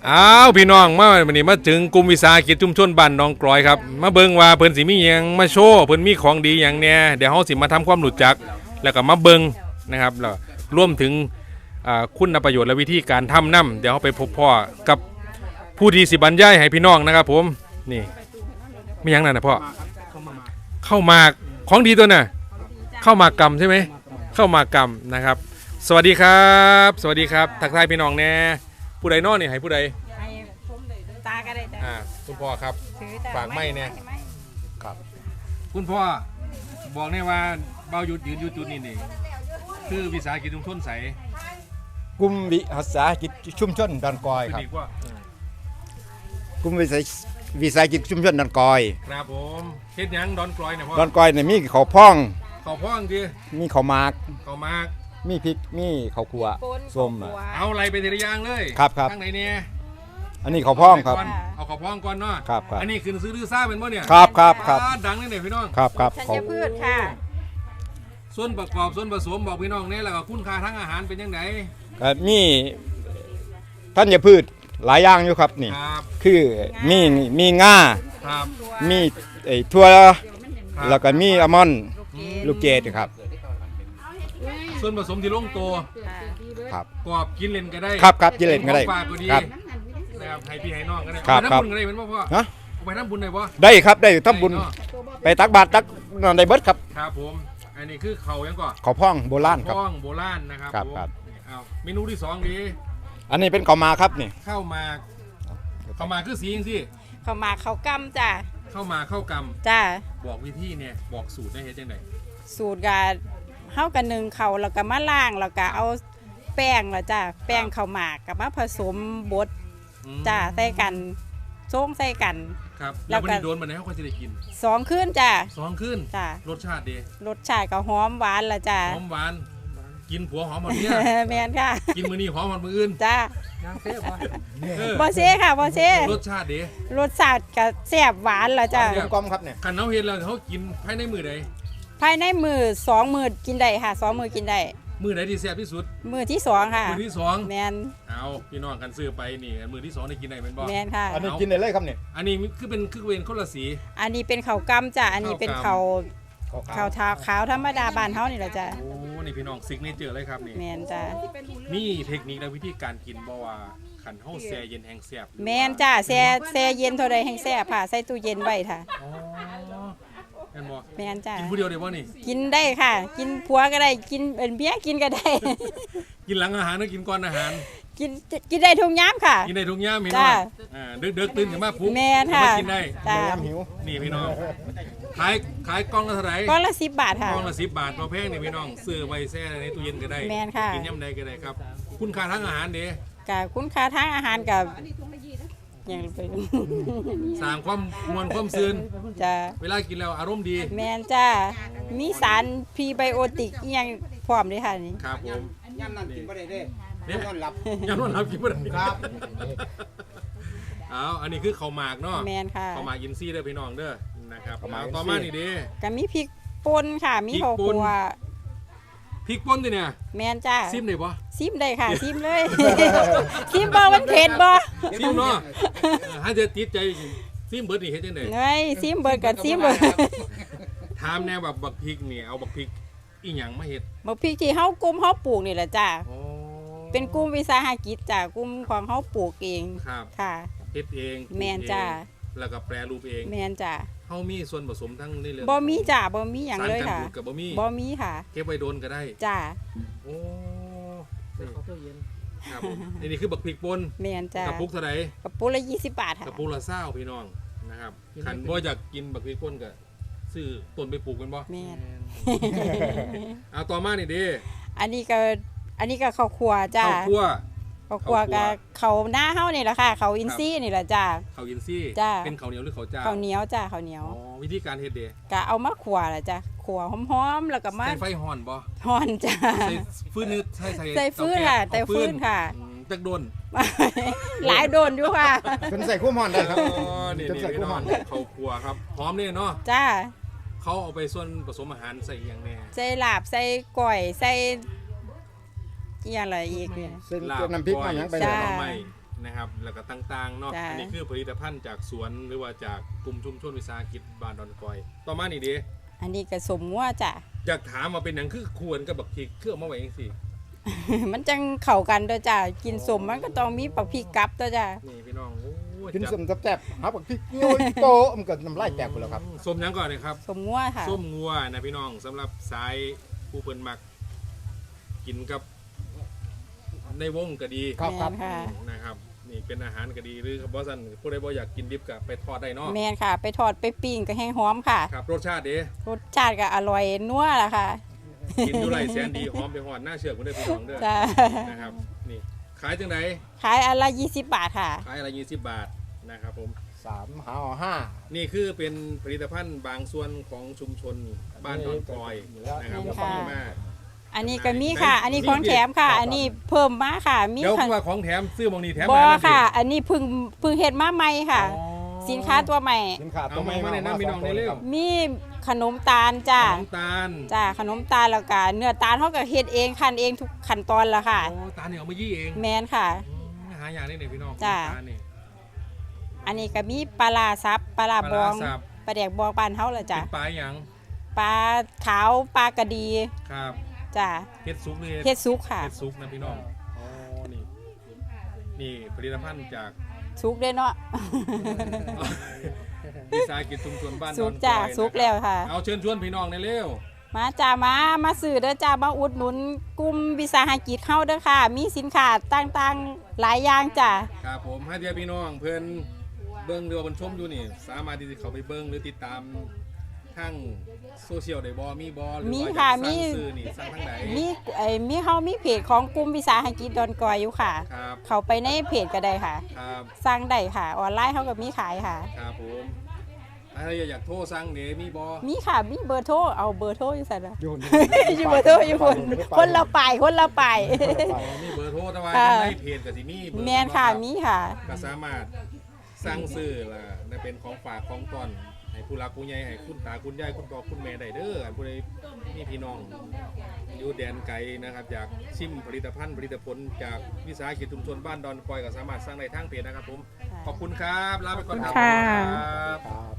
อ้าวพี่น้องมาวันนี้มาถึงกลุ่มวิสาหกิจชุมชนบ้านหนองกลอยครับมาเบิ่งว่าเพิ่นสิมีหยังมาโชว์เพิ่นมีของดีหยังเนี่ยเดี๋ยวเฮาสิมาทำความรู้จักแล้วก็มาเบิ่งนะครับแล้วรวมถึงคุณประโยชน์และวิธีการทำน้ำเดี๋ยวเฮาไปพบพ่อกับผู้ที่สิบรรยายให้พี่น้องนะครับผมนี่มีหยังนั่นน่ะพ่อเข้ามากของดีตัวน่ะเข้ามากำใช่ไหมเข้ามากำนะครับสวัสดีครับสวัสดีครับทักทายพี่น้องแน่ผู้ใดนอนนี่ให้ผู้ใดให้ตาก็ได้จ้ะคุณพ่อครับฝากไม่เนี่ยครับคุณพ่อบอกแน่ว่าเบาหยุดยืนอยู่จุดนี้นี่คือวิสาหกิจชุมชนใสกลุ่มวิสาหกิจชุมชนดอนกอยครับกลุ่มวิสาหกิจชุมชนดอนกอยครับผมเฮ็ดหยังดอนกลอยเนี่ยพ่อดอนกอยเนี่ยมีข้าวพ่องข้าวพ่องดิมีข้าวหมากข้าวหมากมีพริกมีข้าวคั่วส้มเอาอะไรไปทีละอย่างเลยครับข้างไหนเนี่ยอันนี้ข้าวพ่องครับเอาข้าวพ่องก่อนเนาะครับอันนี้คือซื้อดื้อซ่าเป็นบ่เนี่ยครับดังนี่เนี่ยพี่น้องครับธัญพืชค่ะส่วนประกอบส่วนผสมบอกพี่น้องเนี่ยแล้วก็คุณค่าทั้งอาหารเป็นยังไงมีธัญพืชหลายอย่างอยู่ครับนี่คือมีง่ามีถั่วแล้วก็มีอัลมอนด์ลูกเกดครับส่วนผสมที่ลงตัวครับกรอบกินเล่นก็ได้ครับกินเล่นก็ได้ครับนะครับให้พี่ให้น้องก็ได้ไปทำบุญก็ได้เป็นพ่อฮะไปทำบุญได้ป่ะได้ครับได้ทำบุญไปตักบาตรตักนอนได้เบิดครับครับผมอันนี้คือเขายังก่อนเขาพ่องโบราณครับพ่องโบราณนะครับครับเอาเมนูที่2ดีอันนี้เป็นข้าวหมากครับนี่ข้าวหมากคือสีจริงสิข้าวหมากข้าวกำจ้ะข้าวหมากข้าวกำจ้ะบอกวิธีเนี่ยบอกสูตรได้เฮ็ดจังได๋สูตรก็เฮากัน1ข้าวแล้วก็มาล้างแล้วก็เอาแป้งแล้วจ้ะแป้งข้าวหมากกับมาผสมบดจ้ะใส่กันโซ่งใส่กันครับแล้ววันนี้โดนมาแล้วเขาจะได้กิน 2คืนจ้ะ 2คืนจ้ะรสชาติดีรสชาติก็หอมหวานละจ้ะหอมหวานกินผัวหอมหมดเนี่ยแม่นค่ะกินมื้อนี้หอมหมดมื้ออื่นจ้ะยังเซ่บ่เซ่ค่ะบ่เซ่รสชาติดีรสชาติก็แซ่บหวานละจ้ะกลมครับเนี่ยคันเฮาเฮ็ดแล้วเฮากินภายในมื้อใดภายในมื้อ2มื้อกินได้ค่ะ2มื้อกินได้มื้อไหนที่แซ่บที่สุดมื้อที่2ค่ะมื้อที่2 แม่นเอาพี่น้องกันซื้อไปนี่มื้อที่2ได้กินได้แม่นบ่แม่นค่ะอันนี้กินได้เลยครับเนี่ยอันนี้คือเป็นคนละสีอันนี้เป็นข้าวกำจ้ะอันนี้เป็นข้าวขาวธรรมดาบ้านเฮานี่แหละจ้ะโอ้นี่พี่น้องซิกเนเจอร์เลยครับนี่แม่นจ้ะมีเทคนิคและวิธีการกินบ่ว่าขันเฮาแช่เย็นแห้งแซ่บแม่นจ้ะแช่เย็นเท่าใดแห้งแซ่บค่ะใส่ตู้เย็นไว้ค่ะอ๋อแม่นบ่แม่นจ้ะกินผู้เดียวได้บ่นี่กินได้ค่ะกินผัวก็ได้กินเป็นเมียกินก็ได้กินหลังอาหารหรือกินก่อนอาหารกินได้ทุกยามค่ะกินได้ทุกยามพี่น้องดึกตื่นขึ้นมาปุ๊บแม่นค่ะกินได้จ้ะหิวนี่พี่น้องขายกล่องละเท่าไหร่กล่องละ10 บาทค่ะกล่องละ10 บาทบ่แพงนี่พี่น้องซื้อไว้แช่ในตู้เย็นก็ได้แม่นค่ะกินยามใดก็ได้ครับคุณค่าทางอาหารเด้ก็คุณค่าทางอาหารกับอย่างไปสร้างความมวลความซื่นจ้ะเวลากินแล้วอารมณ์ดีแม่นจ้ะมีสารพรีไบโอติกอีหยังพร้อมด้วยค่ะนี่ครับผมย่ำนั่นกินบ่ได้เด้นอนหลับย่ำนอนหลับกินบ่ได้ครับเอาอันนี้คือข้าวหมากเนาะแม่นค่ะข้าวหมากอินซี่เด้อพี่น้องเด้อนะครับต่อมานี่เด้ก็มีพริกป่นค่ะมีข้าวคั่วพริกป่นดิเนี่ยแม่นจ้าซิมได้บ่ซิมได้ค่ะซิมเลยซิมบ่มันเผ็ดบ่ซิมเนาะถ้าจะติดใจซิมเบิดนี่เฮ็ดจังได๋เฮ้ยซิมเบิดกับซิมเบิดถามแน่แบบบักพริกนี่เอาบักพริกอีหยังมาเฮ็ดบักพริกที่เฮากลุ่มเฮาปลูกนี่แหละจ้าเป็นกลุ่มวิสาหกิจจ้ากลุ่มของเฮาปลูกเองค่ะเฮ็ดเองแม่นจ้าแล้วก็แปรรูปเองแม่นจ้าเฮามีส่วนผสมทั้งนี่เลยบ่มีจ้าบ่มีหยังเลยค่ะบ่มีค่ะเก็บไว้โดนก็ได้จ้าโอ้ครับนี่คือบักพริกป่นแม่นจ้ากระปุกเท่าไหร่กระปุกละ20 บาทค่ะกระปุกละ20พี่น้องนะครับคันบ่อยากกินบักพริกป่นก็ซื้อต้นไปปลูกกันบ่แม่นเอาต่อมานี่เด้อันนี้ก็ข้าวคั่วจ้าข้าวคั่วกับเขาหน้าเฮานี่แหละค่ะเขาอินซี่นี่แหละจ้าเขาอินซี่เป็นข้าวเหนียวหรือข้าวเจ้าข้าวเหนียวจ้าข้าวเหนียววิธีการเฮ็ดเด้ก็เอามาคั่วแหละจ้าคั่วหอมๆแล้วก็มาใส่ไฟฮ้อนบ่ฮ้อนจ้าใส่ฟืนนึกใส่ฟืนค่ะใส่ฟืนค่ะจักโดนหลายโดนอยู่ค่ะเป็นใส่คู่ฮ้อนได้ครับนี่ใส่คู่ฮ้อนข้าวคั่วครับหอมนี่เนาะจ้าเขาเอาไปส่วนผสมอาหารใส่อย่างแน่ใส่ลาบใส่ก้อยใส่อย่างไรอีกเนี่ยน้ำพริกน้ำหยังไปจ้านะครับนะครับแล้วก็ต่างๆเนาะจ้ะอันนี้คือผลิตภัณฑ์จากสวนหรือว่าจากกลุ่มชุมชนวิสาหกิจบ้านดอนกอยต่อมานี่เด้อันนี้ก็สมงัวจ้ะอยากถามว่าเป็นหยังคือควรกับบักพริกเครื่องมาไว้จังซี่มันจังเข้ากันตัวจ้ะกินสมมันก็ต้องมีปักพริกกับตัวจ้ะนี่พี่น้องโอ้ยกินจับสมแซ่บๆหาบักพริกโยยโตะมันก็น้ำลายแตกหมดแล้วครับส้มหยังก่อนเลยครับสมงัวค่ะส้มงัวนะพี่น้องสำหรับสายผู้เพิ่นมักกินกับในวงก็ดีครับแม่นค่ะนะครับนี่เป็นอาหารก็ดีหรือบ่ซั่นผู้ใดบ่อยากกินดิบก็ไปทอดได้เนาะแม่นค่ะ ไปทอดไปปิ้งก็แห้งหอมค่ะครับรสชาติเด้รสชาติก็อร่อยนัวล่ะค่ะกินอยู่ไรแสนดีหอมไปหอดหน้าเชือกคนเด้อพี่น้องเด้อจ้ะนะครับนี่ขายจังไดขายอันละ20 บาทค่ะขายอะไร20 บาทนะครับผม 3 หา5 นี่คือเป็นผลิตภัณฑ์บางส่วนของชุมชนบ้านดอนกอยนะครับนี่ค่ะดีมากอันนี้ก็มีค่ะ อันนี้ของแถมค่ะ อันนี้เพิ่มมาค่ะ มีเดี๋ยวค่ะว่าของแถมซื้อบางนี้แถมบอมาค่ะ อันนี้เพึ่งเฮ็ดมาใหม่ค่ะอ๋อสินค้าตัวใหม่สินค้าตัวใหม่เอามาแนะนำพี่น้องได้เร็วมีขนมตาลจ้าน้ำตาลจ้าขนมตาลแล้วก็เนื้อตาลเขาก็เฮ็ดเองคั้นเองทุกขั้นตอนละค่ะโอ้ตาลเนี่ยเอามายี่เองแมนค่ะหาอย่างนี้เนี่ยพี่น้องจ้ะตาลนี่อันนี้ก็มีปลาร้าซับปลาร้าบองปลาร้าสับปลาแดกบองบ้านเฮาล่ะจ้ะเป็นปลาหยังปลาขาวปลากระดีครับจ้าเฮ็ดซุปนี่เฮ็ดซุกค่ะเฮ็ดซุปนะพี่น้องอ๋อนี่นี่ผลิตภัณฑ์จากซุกเด้อเนาะวิสาหกิจชุมชนบ้านซุดกอนจ้ะกอยซุกนะครับแล้วค่ะเอาเชิญชวนพี่น้องในเร็วมาจ้ามาซื้อเด้อจ้ามาอุดหนุนกลุ่มวิสาหกิจเฮาเด้อค่ะ มีสินค้าต่างๆหลายอย่างจ้ะครับผมให้เดียพี่น้องเพื่อนเบิ้งหรือว่าเพิ่นชมอยู่นี่ สามารถที่จะเข้าไปเบิ้งหรือติดตามทางโซเชียลได้บ่มีบ่หรือมีว่าค่ะอยากมีสั่งซื้อนี่สั่งทางไหนมีเฮามีเพจของกลุ่มวิสาหกิจดอนกอยอยู่ค่ะครับเข้าไปในเพจก็ได้ค่ะครับสั่งได้ค่ะ ออนไลน์เฮาก็มีขายค่ะครับผมถ้าอยากโทรสั่งเดี๋ยวมีบ่มีค่ะ มีเบอร์โทร เอาเบอร์โทรอยู่ใส่ละอยู่อยู่เบอร์โทรอยู่คนละไปคนละไปมีเบอร์โทรแต่ว่าค่ะในเพจก็สิมีเบอร์แมนค่ะ มีค่ะก็สามารถสั่งซื้อล่ะได้เป็นของฝากของตอนให้ผู้รักผู้ใหญ่ให้คุณตาคุณยายคุณพ่อคุณแม่ได้เด้ออันผู้ใดมีพี่น้องอยู่แดนไกลนะครับอยากชิมผลิตภัณฑ์ผลิตผลจากวิสาหกิจชุมชนบ้านดอนกอยก็สามารถสั่งได้ทางเพจนะครับผมขอบคุณครับลาไปก่อนครับค่ะครับครับ